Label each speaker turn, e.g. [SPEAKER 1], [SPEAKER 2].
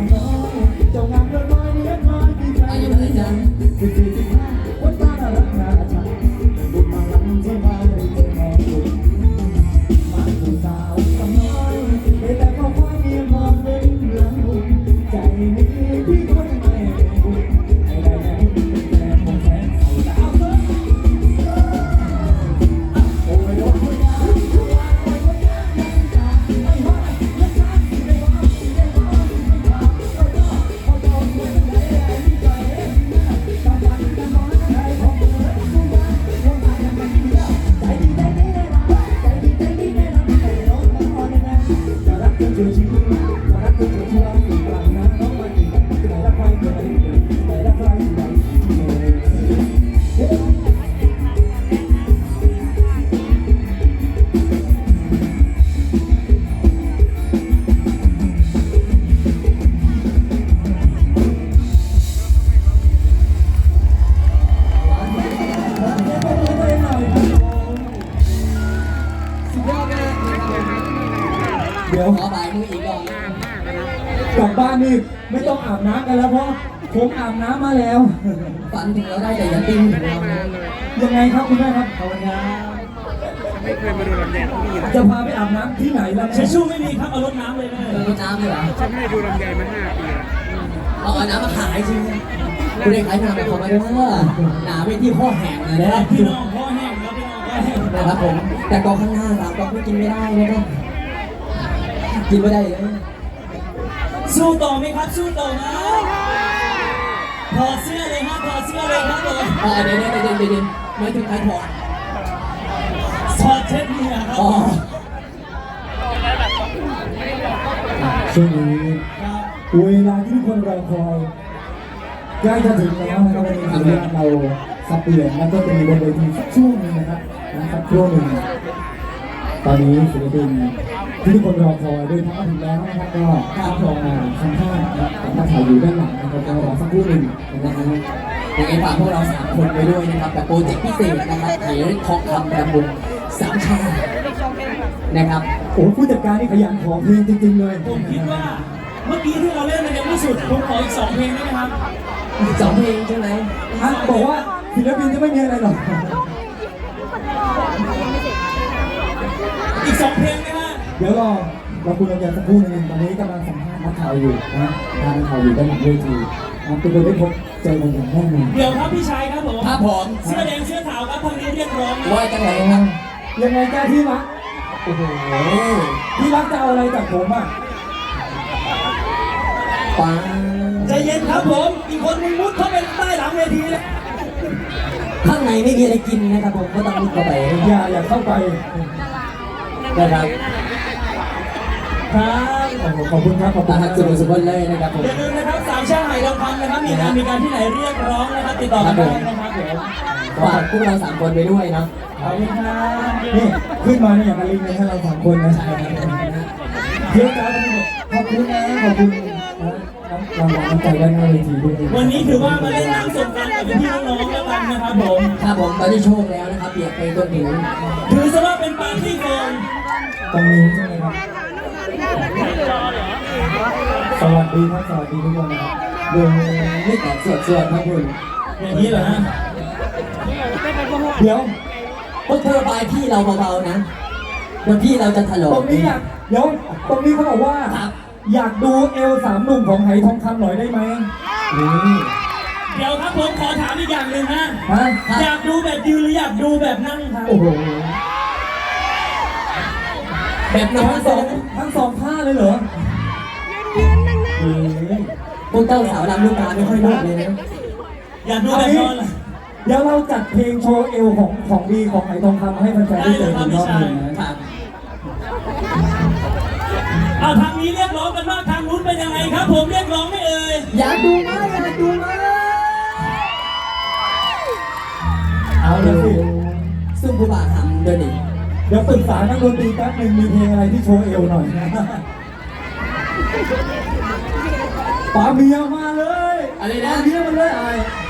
[SPEAKER 1] น้อยเจ้างามเกินร้อยเลี้ยงน้อยที่ใครอยู่ในใจ14 15วันตารักนาชันบุญมาลังที่มาได้เจอแม่บุญมาผู้สาวสาวน้อยแต่ก็คอยเมียมองเป็นเรื่องบุญใจนี้พี่คนไม่บุญให้ได้แน่แต่คงแสนเศร้าดาวโอ้ยโอ้ยเดี๋ยว
[SPEAKER 2] ขอบ่ายมืออีกรอบ
[SPEAKER 1] กลับบ้านนี่ไม่ต้องอาบน้ำกันแล้วเพราะผมอาบน้ำมาแล้ว
[SPEAKER 2] ฝันถึงเราได้แต่อย่าติ้งถึงเรานะ
[SPEAKER 1] ยังไงครับคุณแม่ครับภาวนา
[SPEAKER 3] ไม่เคยมาดูลำแยงที่นี่นะ
[SPEAKER 1] จะพาไปอาบน้ำที่ไหนล่ะ
[SPEAKER 4] เช็ดชู่ไม่มีครับเอารถน้ำเลยแม่
[SPEAKER 2] รดน้ำเลยเหรอ
[SPEAKER 3] ฉันไม่ได้ดูลำแยงมา5 ปีแล้ว
[SPEAKER 2] เอาน้ำมาขายจริงคุณได้ขายน้ำไปขอมาด้วยหนาไปที่ข้อแห้งเลยนะ
[SPEAKER 4] พี่น้องพ่อแห้งครับพี่น้องพ่อแห้ง
[SPEAKER 2] นะครับผมแต่กองข้างหน้า3กองไม่กินไม่ได้นะครับกินไม่ได้เลย
[SPEAKER 4] สู้ต่อไหมครับสู้ต่อไหมถอดเสื้อเลยครับถอดเสื้อเลยครับผม
[SPEAKER 2] เดี๋ยวไม่ถึงใครถอด
[SPEAKER 4] ถอดเช็ดเหงื่อครับ
[SPEAKER 2] อ๋อ
[SPEAKER 1] ช่วงนี้เวลาที่ทุกคนรอคอยใกล้จะถึงแล้วนะครับวันนี้ถือว่าเราสับเปลี่ยนแล้วก็จะมีบนเวทีสักช่วงหนึงนะครับสักช่วงหนึ่งตอนนี้ศิลปินที่ทุกคนรอคอยเดินทางมาถึงแล้วนะครับก็ข้ามคลองมาข้างๆนะครับมาถ่ายอยู่ด้านหลังนะครับก็รอสักครู่หนึ่งนะฮะ
[SPEAKER 2] ยังไงฝากพวกเรา3คนไปด้วยนะครับกับโปรเจกต์พิเศษนะครับไถ่ทองคำประมูล3 ชาตินะครับ
[SPEAKER 1] โอ้ผู้จัดการนี่ขยันขอเพลงจริงๆเลย
[SPEAKER 4] ผมคิดว่าเมื่อกี้ที่เราเล่นมันยังไม่สุดผมขออีก2 เพลงได้ไหมครับ
[SPEAKER 2] 2 เพลงใช่ไหม
[SPEAKER 1] บอกว่าศิลปินจะไม่มีอะไรหรอก
[SPEAKER 4] อีก2 เพลงนะฮะ
[SPEAKER 1] เดี๋ยวเราคุยกันสักครู่หนึงตอนนี้กำลังสัมภาษณ์นักข่าวอยู่นะนักข่าวอยู่ด้านหลังเวทีเป็นคนได้พบเจอกันอย่างแน่นอน
[SPEAKER 4] เดี๋ยวครับพี่ชายครับผม
[SPEAKER 2] ครับผม
[SPEAKER 4] เสื้อแดงเสื้อขาวครับทางนี้เรียกร้องนะ
[SPEAKER 2] ว่าจังไหนนะ
[SPEAKER 1] ยังไงจ้าที่รักโอ้โหที่รักจะเอาอะไรจากผมอ่ะ
[SPEAKER 2] ปัง
[SPEAKER 4] ใจเย็นครับผมอีกคนนึงมุดเข้าไปใต้หลังเวทีเลย
[SPEAKER 2] ข้างในไม่มีอะไรกินนะครับผมก็ต้องมุดเข้าไป
[SPEAKER 1] อย่าเข้าไป
[SPEAKER 2] นะครับ
[SPEAKER 4] ครับ
[SPEAKER 1] โอ้โหขอบคุณครับขอบคุ
[SPEAKER 2] ตา
[SPEAKER 1] ณ
[SPEAKER 2] หักสุดๆเลยนะครับผม
[SPEAKER 4] อย่าลืมนะครับ3 ชาติไหทองคำนะครับมีการที่ไหนเรียกร้องนะครับติดต่อกันได้นะครับเดี๋ยว
[SPEAKER 2] ฝากพวกเรา3 คนไปด้วยเนาะ
[SPEAKER 4] ขอบคุณครับ
[SPEAKER 1] นี่ขึ้นมาเนี่ยอย่างกับลิงเลยถ้าเราสองคนนะ
[SPEAKER 2] ใช่ครับ
[SPEAKER 1] เยอะจ้าทั้งหมดขอบคุณนะขอบคุณนะรางวัลน้ำใจด้านหน้าเวทีด้วย
[SPEAKER 4] วันนี้ถือว่ามาเล่นน้ำสงกรานต์กับพี่ๆน้องๆแล้วกันนะครับผม
[SPEAKER 2] ครับผมตอนนี้โชคแล้วนะครับเปียกไปจนถึง
[SPEAKER 4] ถือซะว่าเป็นปาร์ตี้โฟน
[SPEAKER 1] ตรงนี้ใช่ไหมครับสวัสดีครับสวัสดีทุกคนนะครับ
[SPEAKER 2] เดินไม่แตกสวดครับคุณ
[SPEAKER 4] อย่างนี้เหรอฮะ
[SPEAKER 1] เดี๋ยว
[SPEAKER 2] พวกเธอบายพี่เราเบาๆนะเดี๋ยวพี่เราจะถล
[SPEAKER 1] ต
[SPEAKER 2] ก
[SPEAKER 1] รงนี้อยากเดี๋ยวตรงนี้เขาบอกว่า อยากดูเอล3 หนุ่มของไหทองคำหน่อยได้ไหมนี่
[SPEAKER 4] เดี๋ยวครับผมขอถามอีกอย่างหนึ่งฮะ
[SPEAKER 1] ฮะ
[SPEAKER 4] อยากดูแบบยืนหรืออยากดูแบบนั่งครับ
[SPEAKER 1] โอ้โห
[SPEAKER 2] แบบน้อง
[SPEAKER 1] ทั้งสองท่าเลยเหรอเฮ้ย
[SPEAKER 2] พวกเจ้าสาวลำลูกกาไม่ค่อยรอดเลยนะ
[SPEAKER 4] อยากดูแบบนอนเหรอ
[SPEAKER 1] เดี๋ยวเราจัดเพลงโชว์เอลของดีของไหทองคำให้แฟนๆได้เจอกันรอบหนึงนะ
[SPEAKER 2] ครับ
[SPEAKER 4] เอาทางนี้เรียกร้องกันว่าทางนู้นเป็นยังไงครับ ผมเรียกร้องไม่เอ่ย
[SPEAKER 2] อยากดูไหมอยากดูไหม
[SPEAKER 1] เอาเลยสิ
[SPEAKER 2] ซึ่งผู้บ่าวทำเดินอีก
[SPEAKER 1] เดี๋ยวปรึกษานักดนตรีแป๊บหนึงมีเพลงอะไรที่โชว์เอลหน่อยป๋าเมียมาเลย
[SPEAKER 2] อะไร
[SPEAKER 1] ป๋า
[SPEAKER 2] นะ
[SPEAKER 1] เมียมาเลยไอ้